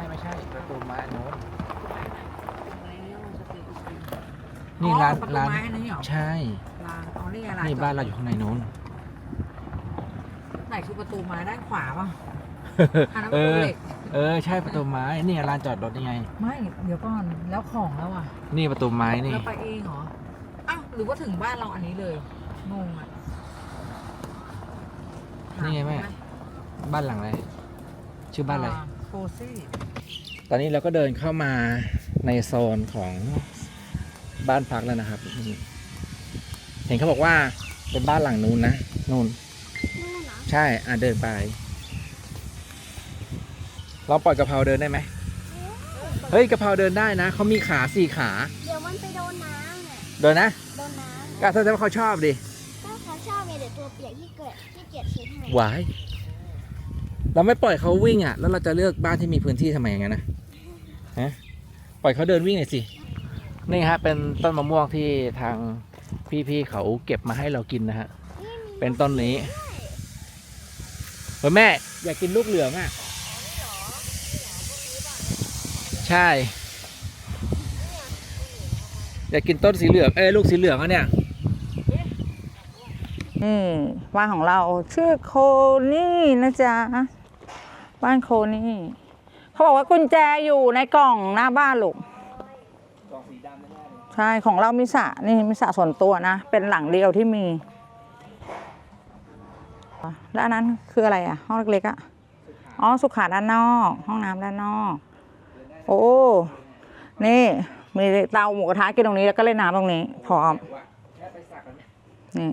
ไม่ใช่ประตูไม้อันโน้นอะไรเนี่ยมันจะเป็นนี่ร้านประตูร้านไม้อันนี้เหรอใช่ร้านอ๋อนี่ไงร้านนี่บ้านเราอยู่ข้างในโน้นไหนคือประตูไม้ด้านขวาป่ะอันนั้นเอประตูอเหล็กใช่ประตูไม้นี่ลานจอดรถนี่ไงไม่เดี๋ยวก่อนแล้วของแล้วอ่ะนี่ประตูไม้นี่เราไปเองเหรออ้าวหรือว่าถึงบ้านเราอันนี้เลยงงอ่ะนี่ไงแม่บ้านหลังอะไรชื่อบ้านอะไรโฟซี่ตอนนี้เราก็เดินเข้ามาในโซนของบ้านพักแล้วนะครับนี่เห็นเขาบอกว่าเป็นบ้านหลังนู้นนะนู่นใช่เดินไปเราปล่อยกะเพราเดินได้ไหมเฮ้ยกะเพราเดินได้นะเขามีขา4 ขาเดี๋ยวมันไปโดนน้ำเนี่ยเดินนะโดนน้ำก็แสดงว่าเขาชอบดิถ้าเขาชอบเนี่ยเดี๋ยวตัวเปียกที่เกียจเช็ดให้หวายเราไม่ปล่อยเขาวิ่งอ่ะแล้วเราจะเลือกบ้านที่มีพื้นที่ทำไมอย่างนั้นนะฮะปล่อยเขาเดินวิ่งหน่อยสินี่ฮะเป็นต้นมะม่วงที่ทางพี่ๆเขาเก็บมาให้เรากินนะฮะเป็นต้นนี้เฮ้ยแม่อยากกินลูกเหลืองอ่ะใช่อยากกินต้นสีเหลืองลูกสีเหลืองอ่ะเนี่ยนี่บ้านของเราชื่อโคนี่นะจ๊ะบ้านโคนี่เขาบอกว่ากุญแจอยู่ในกล่องหน้าบ้านลูกกล่องสีดำแน่เลยใช่ของเรามีสระนี่มีสระส่วนตัวนะเป็นหลังเดียวที่มีแล้วอันนั้นคืออะไรอ่ะห้องเล็กๆอ่ะอ๋อสุขาด้านนอกห้องน้ำด้านนอกโอ้นี่มีเตาหมูกระทะกินตรงนี้แล้วก็เล่นน้ำตรงนี้พร้อมนี่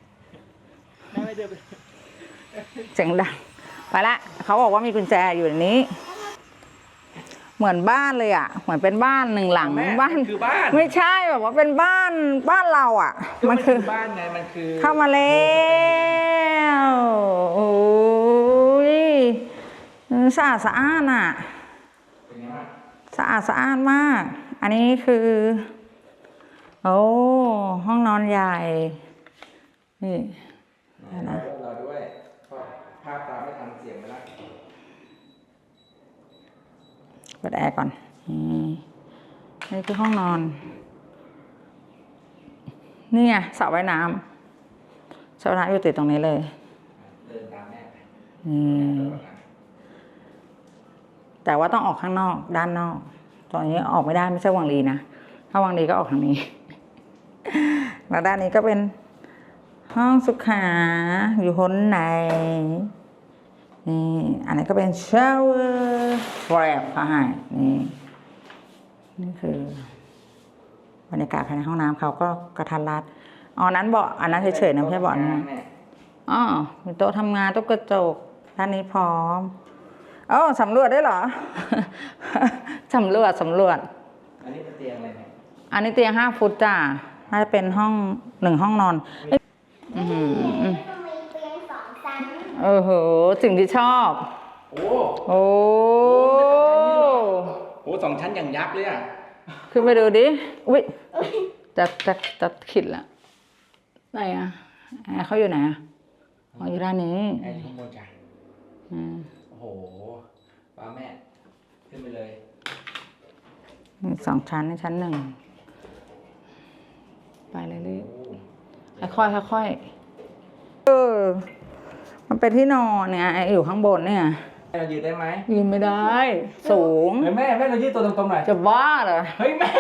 เสียงดังไปละเขาบอกว่ามีกุญแจอยู่ในนี้เหมือนบ้านเลยอ่ะเหมือนเป็นบ้านหนึ่งหลังบ้านคือบ้านไม่ใช่แบบว่าเป็นบ้านเราอ่ะมันคือบ้านไงมันคือเข้ามาแล้วโอ้ยสะอาดสะอ้านอ่ะสะอาดสะอ้านมากอันนี้คือโอ้ห้องนอนใหญ่นี่นะเราด้วยภาพตามไม่ทันเสียงไปแล้วเปิดแอร์ก่อนนี่คือห้องนอนนี่ไงสระว่ายน้ำสระว่ายน้ำอยู่ติดตรงนี้เลยเดินตามแม่ไปแต่ว่าต้องออกข้างนอกด้านนอกตอนนี้ออกไม่ได้ไม่ใช่วังลีนะถ้าวังลีก็ออกทางนี้ แล้วด้านนี้ก็เป็นห้องสุขาอยู่ข้างในนี่อันนี้ก็เป็นชาวเวอร์แฟลปค่ะนี่คือบรรยากาศภายในห้องน้ำเขาก็กระทัดรัดอ๋อนั้นเบาะอันนั้นเฉยๆนะไม่ใช่เบาะนะอ๋อมีโต๊ะทำงานโต๊ะกระจกด้านนี้พร้อมอ๋อสำรวจได้เหรอ สำรวจอันนี้เป็นเตียงอะไรเนี่ยอันนี้เตียง5 ฟุตจ้าน่าจะเป็นห้อง1 ห้องนอนมันมีเตียง2 ชั้นโหสิ่งที่ชอบโอ้ 2 ชั้นอย่างยักษ์เลยอ่ะขึ้นไปดูดิอุ้ยจะขิดละไหนอ่ะเขาอยู่ไหนอ่ะอยู่ด้านนี้ข้างบนจ้ะโอ้โหป้าแม่ขึ้นไปเลย 2 ชั้นในชั้น 1ไปเลยค่อยมันเป็นที่นอนเนี่ยอยู่ข้างบนเนี่ยเรายืนได้ไหมยืนไม่ได้สูงแม่เรายืนตัวตรงๆหน่อยจะบ้าเหรอเฮ้ยแม่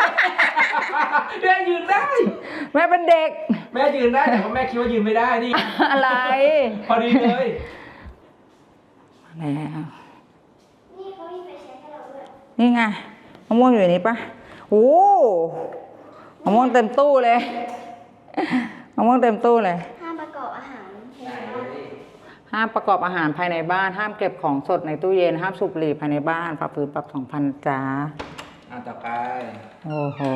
ยืนได้แม่เป็นเด็กแม่ยืนได้แต่ว่าแม่คิดว่ายืนไม่ได้นี่อะไรพอดีเลยแล้วนี่เขามีไฟแช็กให้เราด้วยนี่ไงมะม่วงอยู่ในนี้ปะโอ้มะม่วงเต็มตู้เลยมะม่วงเต็มตู้เลยห้ามประกอบอาหารห้ามประกอบอาหารภายในบ้านห้ามเก็บของสดในตู้เย็นห้ามสูบบุหรี่ภายในบ้านฝ่าฝืนปรับ 2,000 จ้าต่อไปโอ้โห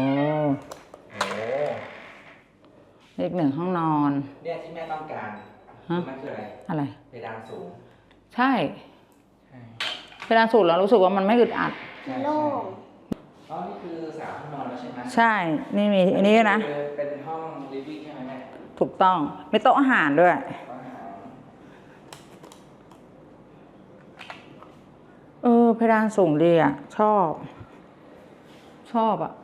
อีก1 ห้องนอนเนี่ยที่แม่ต้องการมันคืออะไรเพดานสูงใช่เพดานสูงแล้วรู้สึกว่ามันไม่อึดอัดโล่งนี่คือ3 ห้องนอนแล้วใช่ไหมใช่นี่มีอันนี้นะเป็นห้องลิฟวิ่งใช่ไหมแม่ถูกต้องมีโต๊ะอาหารด้วยเพดานสูงดีอ่ะ ชอบอ่ะ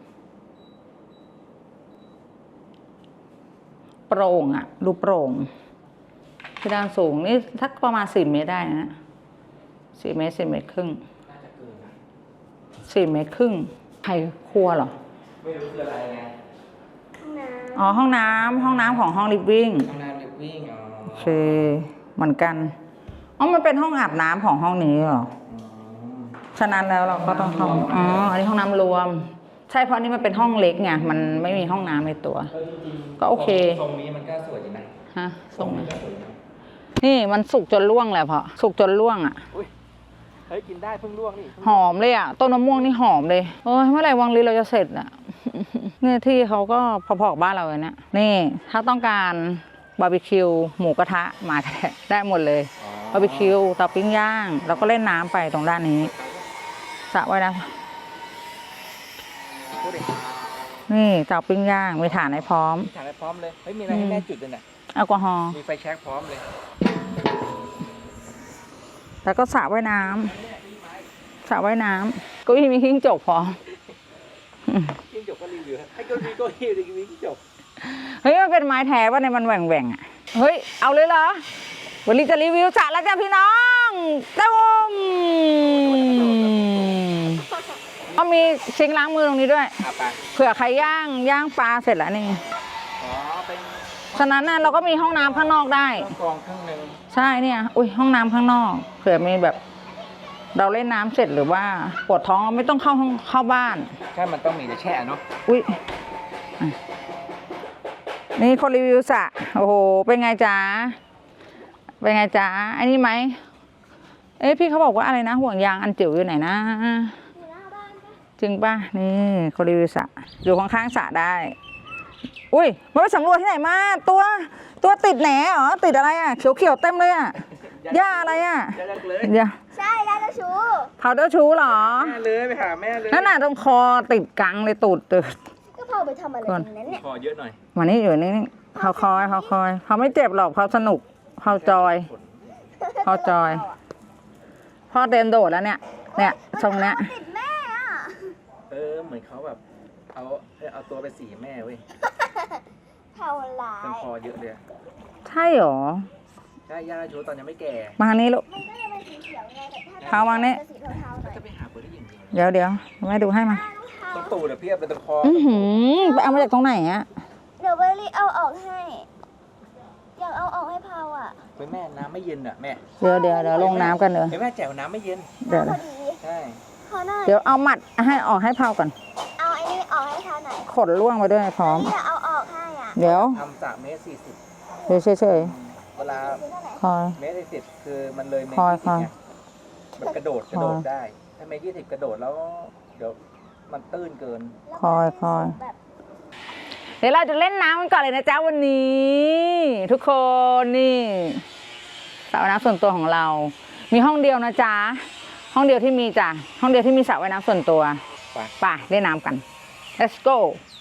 โปร่งอ่ะ ดูโปร่งเพดานสูงนี่ทักประมาณ4 เมตรได้นะ4 เมตร4 เมตรครึ่งน่าจะเกินนะ 4 เมตรครึ่งใครครัวเหรอไม่รู้คืออะไรไงอ๋อ ห้องน้ำของห้องลิฟวิ่งห้องน้ำลิฟวิ่งอ๋อโอเค เหมือนกัน อ๋อ มันเป็นห้องอาบน้ำของห้องนี้เหรอ ฉะนั้นแล้วเราก็ต้องห้อง อ๋อ อันนี้ห้องน้ำรวม ใช่เพราะนี่มันเป็นห้องเล็กไง มันไม่มีห้องน้ำในตัว ก็โอเคตรงนี้มันก็สวยดีนะฮะตรงนี้ก็สวยนะนี่มันสุกจนล่วงแหละเพราะสุกจนล่วงอ่ะอุ้ยเฮ้ยกินได้เพิ่งลวกนี่หอมเลยอ่ะ ต้นมะม่วงนี่หอมเลย โอ้ยเมื่อไหร่วังลีเราจะเสร็จอ่ะ เนี่ยที่เขาก็พอๆกับบ้านเราเลยเนี่ย นี่ถ้าต้องการบาร์บีคิวหมูกระทะมาก็ได้หมดเลย บาร์บีคิวเตาปิ้งย่างแล้วก็เล่นน้ำไปตรงด้านนี้สระว่ายน้พูดดิำนี่เตาปิ้งย่างมีถ่านให้พร้อมถ่ายไปพร้อมเลยเฮ้ยมีอะไรให้แม่จุดเลยน่ะแอลกอฮอล์มีไฟแช็กพร้อมเลยแล้วก็สระว่ายน้ำสระว่ายน้ำเก็มีขิ้งจกพร้อมจิ้งจกก็รีวิวให้ก็มีก็รีวิวจิ้งจกเฮ้ยมันเป็นไม้แท้ว่าในมันแหว่งๆอ่ะเฮ้ยเอาเลยเหรอวันนี้จะรีวิวสระแล้วจ้ะพี่น้องตุ้มก็มีซิงค์ล้างมือตรงนี้ด้วยอ่ะไปเผื่อใครย่างปลาเสร็จแล้วนี่อ๋อเป็นฉะนั้นน่ะเราก็มีห้องน้ำข้างนอกได้เครื่องกรองเครื่องหนึ่งใช่เนี่ย อุ้ยห้องน้ำข้างนอกเผื่อมีแบบ เราเล่นน้ำเสร็จหรือว่าปวดท้องเราไม่ต้องเข้าบ้านใช่มันต้องมีแต่แช่เนาะอุ้ยอ่ะนี่คนรีวิวสระโอ้โห เป็นไงจ๊ะ เป็นไงจ๊ะ อันนี้ไหม เอ๊ะพี่เขาบอกว่าอะไรนะ ห่วงยางอันจิ๋วอยู่ไหนนะ จริงป่ะ นี่คนรีวิวสระอยู่ข้างๆสระได้ อุ้ยมาไปสำรวจที่ไหนมา ตัวติดแหนเหรอ ติดอะไรอ่ะ เขียวๆเต็มเลยอ่ะหญ้าอะไรอ่ะจะเลิกเลยอย่าใช่ได้แล้วชูเผาเจ้าชู้เหรอแม่เลยไปหาแม่เลยนั่นน่ะตรงคอติดกังเลยตูดก็พอไปทำอะไรตรงนั้นเนี่ยคอเยอะหน่อยมานี่อยู่นี่เขาคอยเขาไม่เจ็บหรอกเขาสนุกเขาจอย พอจอย พ่อเต็มโดดแล้วเนี่ยทรงเนี้ยติดแม่อ่ะเหมือนเขาแบบเอาตัวไปสีแม่เว้ยเท่าไรเป็นคอเยอะเลยใช่หรอใช่ย่าชูตอนยังไม่แก่มาทางนี้ลูกมันก็จะเป็นสีเขียวไงแต่ถ้าเท้าวางนี่จะสีเทาๆหน่อยจะไปหาคนที่ยิงเดียวเดี๋ยวแม่ดูให้มาต้องตูดเพียบเลยตรงคออือหือไปเอามาจากตรงไหนอะเดี๋ยวเบอร์รี่เอาออกให้ อยากเอาออกให้พาวอ่ะเฮ้ยแม่น้ำไม่เย็นอ่ะแม่เดี๋ยวลงน้ำกันเลยเฮ้ยแม่แจ๋วน้ำไม่เย็นเดี๋ยวพอดีใช่ขอหน่อยเดี๋ยวเอาหมัดให้ออกให้เผาก่อนเอาไอ้นี่ออกให้พาวหน่อยขนล่วงไปด้วยพร้อมนี่จะเอาออกให้อ่ะเดี๋ยวทำ3 เมตรเดี๋ยวเฉยเวลาซื้อเท่าไหร่ๆคอยเมตร40คือมันเลยเมตรคอย 20ไงมันกระโดดได้ ถ้าเมตร20กระโดดแล้ว เดี๋ยวมันตื้นเกินคอยแบบเดี๋ยวเราจะเล่นน้ำกันก่อนเลยนะจ๊ะวันนี้ ทุกคนนี่สระว่ายน้ำส่วนตัวของเรา มีห้องเดียวนะจ๊ะห้องเดียวที่มีจ้ะห้องเดียวที่มีสระว่ายน้ำส่วนตัวไปไปเล่นน้ำกัน let's go